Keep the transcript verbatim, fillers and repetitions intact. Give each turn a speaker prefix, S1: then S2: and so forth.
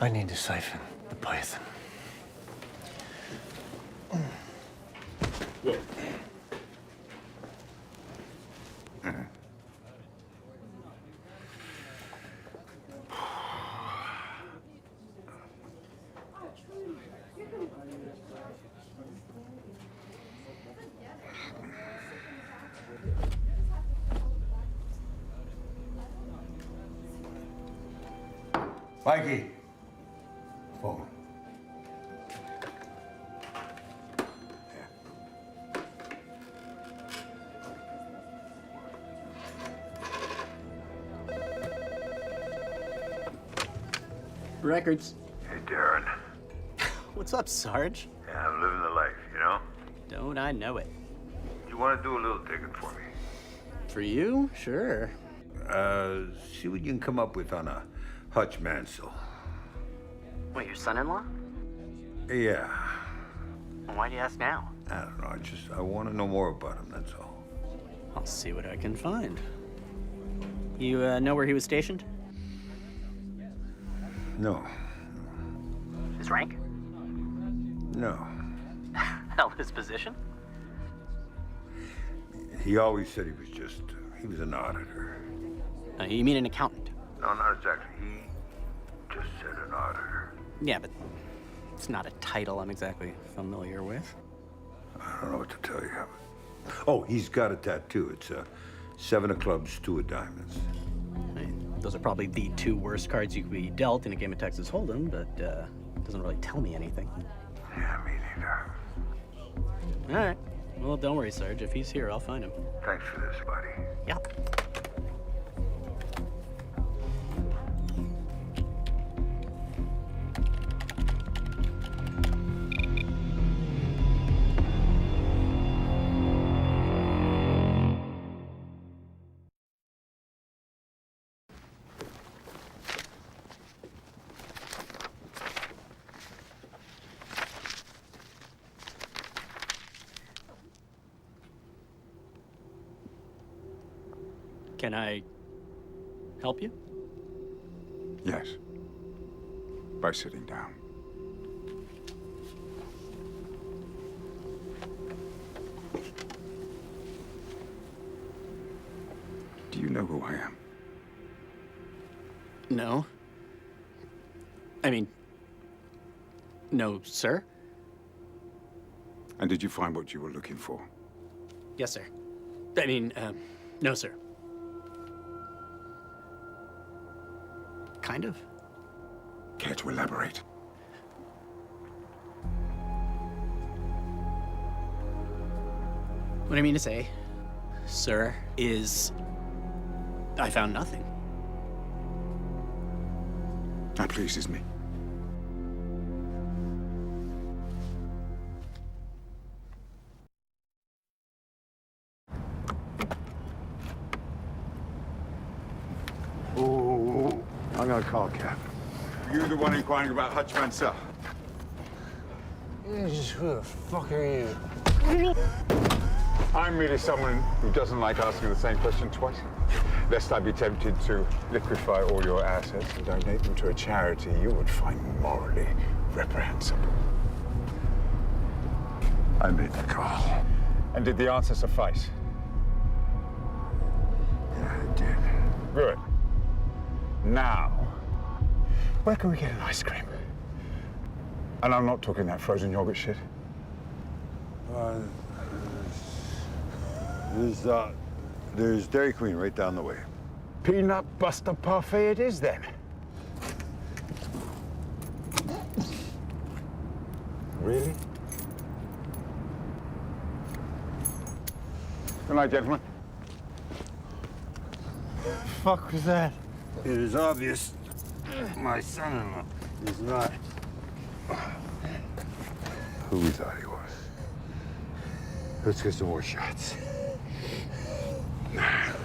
S1: I need to siphon the poison.
S2: Yeah.
S3: Mikey. Phone.
S4: Records.
S5: Hey, Darren.
S4: What's up, Sarge?
S5: Yeah, I'm living the life, you know?
S4: Don't I know it?
S5: You want to do a little digging for me?
S4: For you? Sure.
S3: Uh, see what you can come up with on a Hutch Mansell.
S4: Wait, your son-in-law?
S3: Yeah.
S4: Why do you ask now?
S3: I don't know. I just I want to know more about him. That's all.
S4: I'll see what I can find. You uh, know where he was stationed?
S3: No.
S4: His rank?
S3: No.
S4: Hell, his position?
S3: He always said he was just uh, he was an auditor.
S4: Uh, you mean an accountant?
S5: No, not exactly. He just said an auditor.
S4: Yeah, but it's not a title I'm exactly familiar with.
S3: I don't know what to tell you. Oh, he's got a tattoo. It's uh, seven of clubs, two of diamonds.
S4: I mean, those are probably the two worst cards you could be dealt in a game of Texas Hold'em, but uh, it doesn't really tell me anything.
S5: Yeah, me neither.
S4: All right. Well, don't worry, Sarge. If he's here, I'll find him.
S5: Thanks for this, buddy.
S4: Yeah. Can I help you?
S2: Yes. By sitting down. Do you know who I am?
S4: No. I mean, no, sir.
S2: And did you find what you were looking for?
S4: Yes, sir. I mean, um, no, sir. Kind of.
S2: Care to elaborate?
S4: What I mean to say, sir, is I found nothing.
S2: That pleases me.
S3: Oh, I'm gonna call Cap.
S2: You the one inquiring about Hutch Mansell?
S1: Jesus, who the fuck are you?
S2: I'm merely someone who doesn't like asking the same question twice. Lest I be tempted to liquefy all your assets and donate them to a charity you would find morally reprehensible.
S3: I made the call.
S2: And did the answer suffice?
S3: Yeah, it did.
S2: Good. Now, where can we get an ice cream? And I'm not talking that frozen yogurt shit.
S3: Uh, there's, uh, there's Dairy Queen right down the way.
S2: Peanut butter parfait it is, then. Really? Good night, gentlemen.
S1: Fuck was that?
S3: It is obvious my son-in-law is not who we thought he was. Let's get some more shots.